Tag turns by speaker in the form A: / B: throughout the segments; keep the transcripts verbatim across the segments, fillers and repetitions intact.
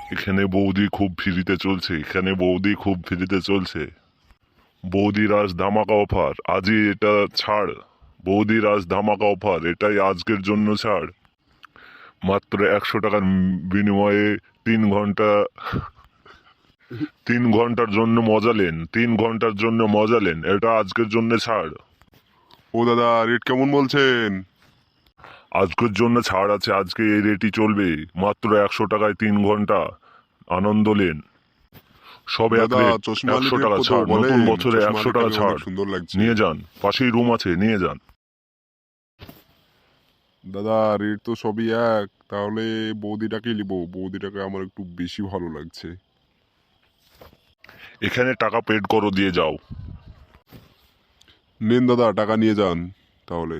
A: এখানে বৌদি খুব ফ্রিতে চলছে, এখানে বৌদি খুব ফ্রিতে চলছে। বৌদির আজ ধামাকা অফার, আজই এটা ছাড়। বৌদির আজ ধামাকা অফার, এটাই আজকের জন্য ছাড়। মাত্র একশো টাকার বিনিময়ে তিন ঘন্টা তিন ঘন্টার জন্য মজা নেন, তিন ঘন্টার জন্য মজা নেন, এটা আজকের জন্য ছাড়।
B: ও দাদা, রেট কেমন বলছেন?
A: আজকের জন্য ছাড় আছে, আজকে এই রেটই চলবে। মাত্র একশো টাকায় তিন ঘন্টা আনন্দ নেন। সব এক
B: দাদা,
A: রেট,
B: চশমা
A: একশো
B: রেট
A: টাকা
B: কত
A: ছাড়, নতুন
B: বলেন?
A: বছরে
B: চশমা
A: একশো টাকা
B: অনেক
A: ছাড়।
B: সুন্দর লাগছে।
A: নিয়ে যান, পাশেই রুম আছে, নিয়ে যান।
B: দাদা, রেট তো সবই এক, তাহলে বৌদিটাকে নিবো। বৌদিটাকে আমার একটু বেশি ভালো লাগছে।
A: এখানে টাকা পেড করো, দিয়ে যাও।
B: নেন দাদা, টাকা নিয়ে যান তাহলে।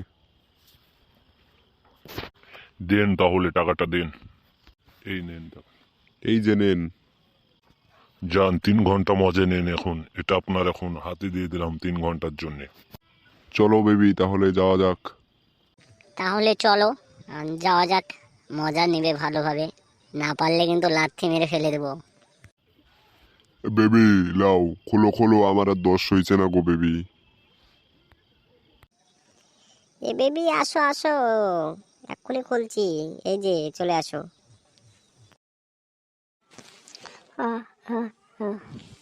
A: দেন তাহলে, টাকাটা দেন। এই নেন টাকা।
B: এই যে নেন।
A: যান, তিন ঘন্টা মজা নেন এখন। এটা আপনার এখন হাতে দিয়ে দিলাম তিন ঘন্টার জন্যে।
B: চলো বেবি, তাহলে যাওয়া যাক।
C: তাহলে চলো আহ, যাওয়া যাক। মজা নেবে ভালোভাবে, না পারলে কিন্তু লাথি মেরে ফেলে দেবো।
B: বেবি লাও, খোলো খোলো, আমার আর দশ হয়েছে না গো বেবি।
C: এ বেবি, আসো আসো, এক্ষুনি খুলছি, এই যে চলে আসো। আহ, আহ, আহ।